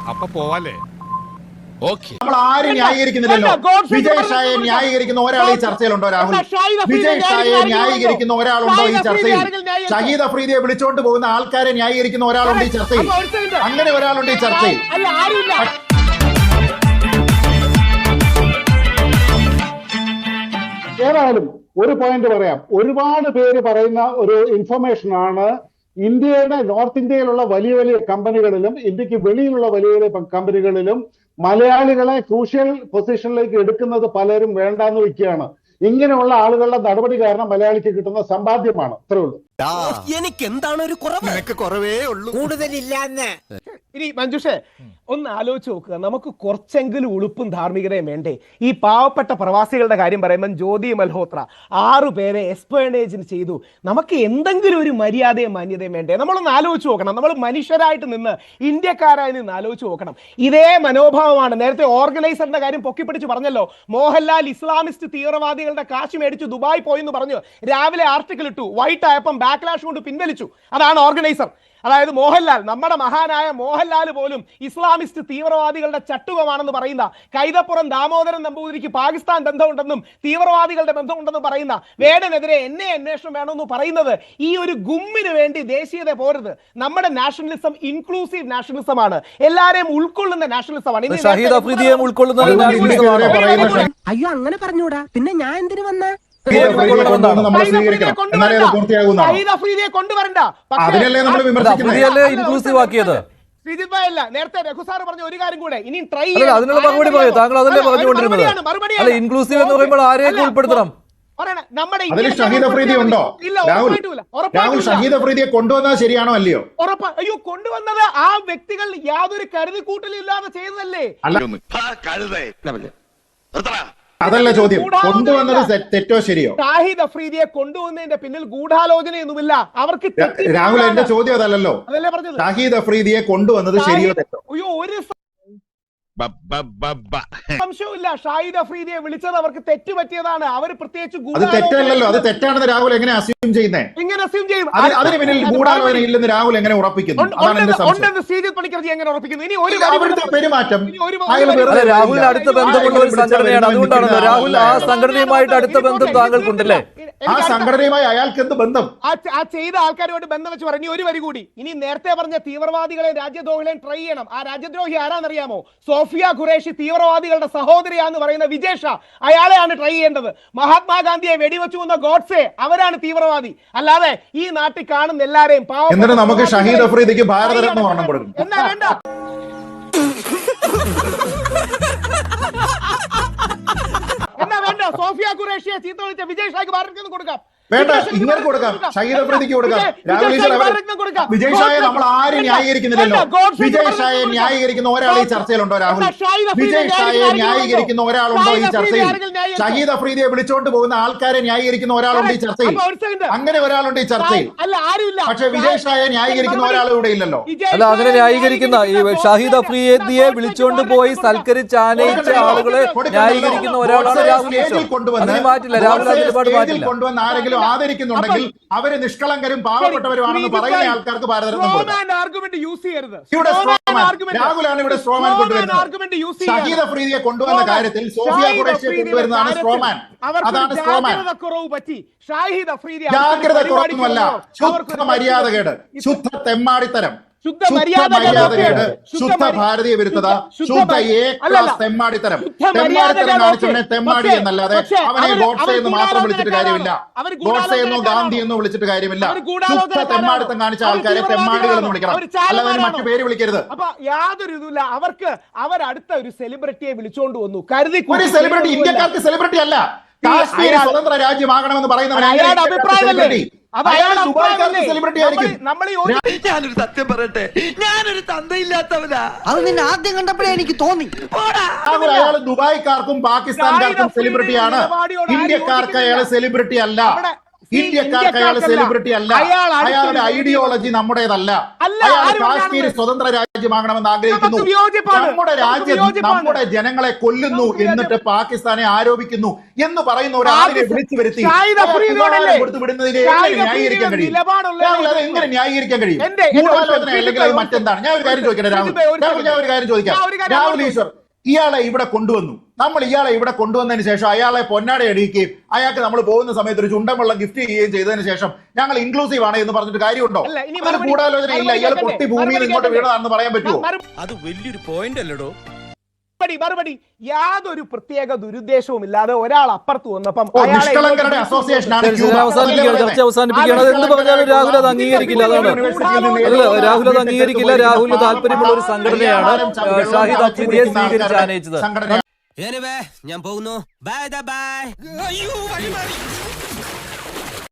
അപ്പൊ പോവാല്ലേ? നമ്മൾ ആരും ന്യായീകരിക്കുന്നില്ലല്ലോ. വിജയ് ഷായെ ന്യായീകരിക്കുന്ന ഒരാൾ ഈ ചർച്ചയിലുണ്ടോ? രാഹുൽ, വിജയ് ഷായെ ന്യായീകരിക്കുന്ന ഒരാളുണ്ടോ ഈ ചർച്ചയിൽ? ഷഹീദ് അഫ്രീദിയെ വിളിച്ചോണ്ട് പോകുന്ന ആൾക്കാരെ ന്യായീകരിക്കുന്ന ഒരാളുണ്ട് ഈ ചർച്ചയിൽ. അങ്ങനെ ഒരാളുണ്ട് ഈ ചർച്ചയിൽ. ഏതായാലും ഒരു പോയിന്റ് പറയാം. ഒരുപാട് പേര് പറയുന്ന ഒരു ഇൻഫർമേഷൻ ആണ്, ഇന്ത്യയുടെ നോർത്ത് ഇന്ത്യയിലുള്ള വലിയ വലിയ കമ്പനികളിലും ഇന്ത്യക്ക് വെളിയിലുള്ള വലിയ വലിയ കമ്പനികളിലും മലയാളികളെ ക്രൂഷ്യൽ പൊസിഷനിലേക്ക് എടുക്കുന്നത് പലരും വേണ്ടാന്ന് വെക്കുകയാണ്. ഇങ്ങനെയുള്ള ആളുകളുടെ നടപടി കാരണം മലയാളിക്ക് കിട്ടുന്ന സമ്പാദ്യമാണ്. അത്രേ ഉള്ളൂ. എനിക്ക് എന്താണ് ഒരു കുറവേ ഉള്ളൂ, കൂടുതലില്ലാന്ന്. ഇനി മഞ്ജുഷേ ഒന്ന് ആലോചിച്ച് നോക്കുക, നമുക്ക് കുറച്ചെങ്കിലും ഉളുപ്പും ധാർമ്മികതയും വേണ്ടേ? ഈ പാവപ്പെട്ട പ്രവാസികളുടെ കാര്യം പറയുമ്പോൾ ജ്യോതി മൽഹോത്ര 6 പേരെ എക്സ്പേർട്ടേജിന് ചെയ്തു. നമുക്ക് എന്തെങ്കിലും ഒരു മര്യാദയും മാന്യതയും വേണ്ടേ? നമ്മളൊന്ന് ആലോചിച്ച് നോക്കണം. നമ്മൾ മനുഷ്യരായിട്ട് നിന്ന് ഇന്ത്യക്കാരായി നിന്ന് ആലോചിച്ച് നോക്കണം. ഇതേ മനോഭാവമാണ് നേരത്തെ ഓർഗനൈസറിന്റെ കാര്യം പൊക്കിപ്പിടിച്ച് പറഞ്ഞല്ലോ. മോഹൻലാൽ ഇസ്ലാമിസ്റ്റ് തീവ്രവാദികളുടെ കാശ് മേടിച്ചു ദുബായ് പോയെന്ന് പറഞ്ഞു രാവിലെ ആർട്ടിക്കിൾ ഇട്ടു. വൈറ്റ് ആയപ്പം ബാക്ക്ലാഷ് കൊണ്ട് പിൻവലിച്ചു. അതാണ് ഓർഗനൈസർ. അതായത് മോഹൻലാൽ, നമ്മുടെ മഹാനായ മോഹൻലാൽ പോലും ഇസ്ലാമിസ്റ്റ് തീവ്രവാദികളുടെ ചട്ടുകമാണെന്ന് പറയുന്ന, കൈതപ്പുറം ദാമോദരൻ നമ്പൂതിരിക്ക് പാകിസ്ഥാൻ ബന്ധമുണ്ടെന്നും തീവ്രവാദികളുടെ ബന്ധമുണ്ടെന്നും പറയുന്ന വേടനെതിരെ എന്നെ അന്വേഷണം വേണമെന്ന് പറയുന്നത് ഈ ഒരു ഗുമ്മിന് വേണ്ടി ദേശീയത പോരുത്. നമ്മുടെ നാഷണലിസം ഇൻക്ലൂസീവ് നാഷണലിസം ആണ്, എല്ലാരെയും ഉൾക്കൊള്ളുന്ന നാഷണലിസം ആണ്. അയ്യോ അങ്ങനെ പറഞ്ഞൂടാ, പിന്നെ ഞാൻ എന്തിനു വന്ന നേരത്തെ രഘുസാർ പറഞ്ഞ ഒരു കാര്യം കൂടെ ഇനി ട്രൈ അതിനുള്ള മറുപടി പറയൂ. താങ്കൾ അതല്ലേ പറഞ്ഞുകൊണ്ടിരുന്നത്. ഇൻക്ലൂസീവ് എന്ന് പറയുമ്പോൾ ആരെയൊക്കെ ഉൾപ്പെടുത്തണം? ഷഹീദ് അഫ്രീദി ഉണ്ടോ? രാഹുൽ, ഷഹീദ് അഫ്രീദിയെ കൊണ്ടുവന്നത് ശരിയാണോ അല്ലയോ? ഉറപ്പ്. അയ്യോ, കൊണ്ടുവന്നത് ആ വ്യക്തികൾ യാതൊരു കരുതിക്കൂട്ടലില്ലാതെ ചെയ്തതല്ലേ? അതല്ല ചോദ്യം. കൊണ്ടുവന്നത് തെറ്റോ ശരിയോ? ഷാഹിദ് അഫ്രീദിയെ കൊണ്ടുവന്നതിന്റെ പിന്നിൽ ഗൂഢാലോചനയൊന്നുമില്ല. അവർക്ക് രാഹുൽ, എന്റെ ചോദ്യം അതല്ലല്ലോ. അതല്ലേ പറഞ്ഞത്. ഷാഹിദ് അഫ്രീദിയെ കൊണ്ടുവന്നത് ശരിയോ തെറ്റോ? അയ്യോ, ഒരു സംശയമില്ല. ഷാഹിദ് അഫ്രീദിയെ വിളിച്ചത് അവർക്ക് തെറ്റ് പറ്റിയതാണ്. അവർ പ്രത്യേകിച്ച് അത് തെറ്റല്ലല്ലോ. അത് തെറ്റാണെന്ന് രാഹുൽ എങ്ങനെ അസ്യൂം ചെയ്യുന്നേ? എങ്ങനെ അസ്യൂം ചെയ്യും? അതിന് പിന്നിൽ ഗൂഢാലോചന ഇല്ലെന്ന് രാഹുൽ എങ്ങനെ ഉറപ്പിക്കുന്നു? ശ്രീജിത്ത് പണിക്കർജി എങ്ങനെ ഉറപ്പിക്കുന്നു? ഇനി ഒരു അവിടുത്തെ പെരുമാറ്റം രാഹുലിന് അടുത്ത ബന്ധമുള്ള ഒരു സംഘടനയാണ്. അതുകൊണ്ടാണല്ലോ രാഹുൽ ആ സംഘടനയുമായിട്ട് അടുത്ത ബന്ധം താങ്കൾക്കുണ്ടല്ലേ? ആ സംഘടനയുമായി അയാൾക്ക് എന്ത് ബന്ധം? ആ ചെയ്ത ആൾക്കാരുമായിട്ട് ബന്ധം വെച്ച് പറഞ്ഞു. ഒരു വരി കൂടി, ഇനി നേരത്തെ പറഞ്ഞ തീവ്രവാദികളെ രാജ്യദ്രോഹികളെയും ട്രൈ ചെയ്യണം. ആ രാജ്യദ്രോഹി ആരാന്നറിയാമോ? സോഫിയ ഖുറേഷി തീവ്രവാദികളുടെ സഹോദരിയാന്ന് പറയുന്ന വിജയ് ഷാ, അയാളെയാണ് ട്രൈ ചെയ്യേണ്ടത്. മഹാത്മാഗാന്ധിയെ വെടിവെച്ചു കൊന്ന ഗോഡ്സെ, അവരാണ് തീവ്രവാദി. അല്ലാതെ ഈ നാട്ടിൽ കാണുന്ന എല്ലാരെയും എന്നിട്ട് നമുക്ക് ഷഹീദ് അഫ്രീദിക്ക് ഭാരതരത്ന വർണ്ണം കൊടുക്കും. എന്നാ വേണ്ട? എന്നാ വേണ്ട? സോഫിയ ഖുറേഷിയെ ചീത്ത വിളിച്ച വിജയ് ഷായ്ക്ക് ഭാരതരത്ന കൊടുക്കാം. വേണ്ട, ഇങ്ങനെ കൊടുക്കാം. ഷഹീദ് അഫ്രീദിക്ക് കൊടുക്കാം. വിജയ് ഷായെ നമ്മൾ ആരും ന്യായീകരിക്കുന്നില്ലല്ലോ. വിജയ് ഷായെ ന്യായീകരിക്കുന്ന ഒരാൾ ഈ ചർച്ചയിലുണ്ടോ? രാഹുൽ, വിജയ് ഷായെ ന്യായീകരിക്കുന്ന ഒരാളുണ്ടോ ഈ ചർച്ചയിൽ? ഷഹീദ് അഫ്രീദിയെ വിളിച്ചോണ്ട് പോകുന്ന ആൾക്കാരെ ന്യായീകരിക്കുന്ന ഒരാളുണ്ട് ഈ ചർച്ചയിൽ. അങ്ങനെ ഒരാളുണ്ട് ഈ ചർച്ചയിൽ. പക്ഷെ വിജയ് ഷായെ ന്യായീകരിക്കുന്ന ഒരാൾ ഇവിടെ ഇല്ലല്ലോ. അല്ല, അങ്ങനെ ന്യായീകരിക്കുന്ന ഈ ഷഹീദ് അഫ്രീദിയെ വിളിച്ചോണ്ട് പോയി സൽക്കരിച്ച് ആനയിച്ച ആളുകളെ ന്യായീകരിക്കുന്ന ഒരാളാണ് രാഹുൽ. മാറ്റില്ല, രാഹുൽ ഒരുപാട് മാറ്റില്ല. കൊണ്ടുവന്ന ആരെങ്കിലും ആദരിക്കുന്നുണ്ടെങ്കിൽ അവര് നിഷ്കളങ്കരും പാവപ്പെട്ടവരുമാണെന്ന് പറയുന്ന ആൾക്കാർക്ക് ഭാരതരത്നം രാഹുലാണ് ഇവിടെ സ്ട്രോമാൻ കൊണ്ടുവരുന്നത്. ഷഹീദ് അഫ്രീദിയെ കൊണ്ടുവന്ന കാര്യത്തിൽ സോഫിയ ഖുറേഷിയെ കൊണ്ടുവരുന്നതാണ് സ്ട്രോമാൻ. അതാണ് സ്ട്രോമാൻ. ജാഗ്രത കുറവൊന്നുമല്ല, ശുദ്ധ മര്യാദകേട്, ശുദ്ധ തെമ്മാടിത്തരം, ശുദ്ധ മര്യാദകേട്, ശുദ്ധ ഭാരതീയ വിരുദ്ധത, ശുദ്ധ തെമ്മാടിത്തരം. തെമ്മാടിത്തരം കാണിച്ചവനെ തെമ്മാടി എന്നല്ലാതെ അവനെ ഗോഡ്സെ എന്ന് മാത്രം വിളിച്ചിട്ട് കാര്യമില്ല. ഗോഡ്സെ എന്നോ ഗാന്ധി എന്നോ വിളിച്ചിട്ട് കാര്യമില്ല. ശുദ്ധ തെമ്മാടിത്തം കാണിച്ച ആൾക്കാരെ തെമ്മാടികൾ എന്ന് വിളിക്കണം, അല്ലാതെ മറ്റു പേര് വിളിക്കരുത്. അപ്പൊ യാതൊരു ഇതുമില്ല അവർക്ക്. അവരടുത്ത ഒരു സെലിബ്രിറ്റിയെ വിളിച്ചോണ്ട് വന്നു. കരുതി ഒരു സെലിബ്രിറ്റി ഇന്ത്യക്കാർക്ക് സെലിബ്രിറ്റി അല്ല. കാശ്മീർ സ്വതന്ത്ര രാജ്യമാകണമെന്ന് പറയുന്നവർ സെലിബ്രിറ്റി ആയിരിക്കും. ഞാനൊരു സത്യം പറയട്ടെ, ഞാനൊരു തന്തയില്ലാത്തവനാ. അത് നിന്നെ ആദ്യം കണ്ടപ്പോഴേ എനിക്ക് തോന്നി. അയാൾ ദുബായ്ക്കാർക്കും പാകിസ്ഥാൻകാർക്കും സെലിബ്രിറ്റിയാണ്. ഇന്ത്യക്കാർക്ക് അയാൾ സെലിബ്രിറ്റി അല്ല. ഇന്ത്യക്കാർക്ക് അയാൾ സെലിബ്രിറ്റി അല്ല. അയാളുടെ ഐഡിയോളജി നമ്മുടേതല്ല. അയാൾ കാശ്മീർ സ്വതന്ത്ര രാജ്യമാകണമെന്ന് ആഗ്രഹിക്കുന്നു. നമ്മുടെ രാജ്യം നമ്മുടെ ജനങ്ങളെ കൊല്ലുന്നു എന്നിട്ട് പാകിസ്ഥാനെ ആരോപിക്കുന്നു എന്ന് പറയുന്ന ഒരാളിനെ വിളിച്ചു വരുത്തി കൊടുത്തു വിടുന്നതിനെ എങ്ങനെ ന്യായീകരിക്കാൻ കഴിയും? എങ്ങനെ ന്യായീകരിക്കാൻ കഴിയും? ഗൂഢാലോചന അല്ലെങ്കിൽ അത് മറ്റെന്താണ്? ഞാൻ ഒരു കാര്യം ചോദിക്കട്ടെ രാഹുൽ, ഞാൻ ഒരു കാര്യം ചോദിക്കാം. രാഹുൽ ഈശ്വർ ഇയാളെ ഇവിടെ കൊണ്ടുവന്നു. നമ്മൾ ഇയാളെ ഇവിടെ കൊണ്ടുവന്നതിന് ശേഷം അയാളെ പൊന്നാട അടിക്കുകയും അയാൾക്ക് നമ്മൾ പോകുന്ന സമയത്ത് ഒരു ചുണ്ടൻ വെള്ളം ഗിഫ്റ്റ് ചെയ്യുകയും ചെയ്തതിന് ശേഷം ഞങ്ങൾ ഇൻക്ലൂസീവ് ആണ് എന്ന് പറഞ്ഞിട്ട് കാര്യമുണ്ടോ? അതൊരു ഗൂഢാലോചന ഇല്ല. ഇയാൾ പൊട്ടി ഭൂമിയിൽ ഇങ്ങോട്ട് വീണതാണെന്ന് പറയാൻ പറ്റുമോ? അത് വലിയൊരു പോയിന്റ് അല്ലടോ. മറുപടി യാതൊരു പ്രത്യേക ദുരുദ്ദേശവും ഇല്ലാതെ ഒരാൾ അപ്പുറത്ത് വന്നപ്പം നിഷ്കളങ്കരുടെ അസോസിയേഷനാണ് ചർച്ച അവസാനിപ്പിക്കുകയാണ്. എന്ത് പറഞ്ഞാലും രാഹുൽ അത് അംഗീകരിക്കില്ല. അതാണ് രാഹുൽ അത് അംഗീകരിക്കില്ല. രാഹുലിന് താല്പര്യമുള്ള ഒരു സംഘടനയാണ് ഷാഹിദ് അഫ്രീദിയെ സ്വീകരിച്ച് ആനയിച്ചത്. ഞാൻ പോകുന്നു. Bye by.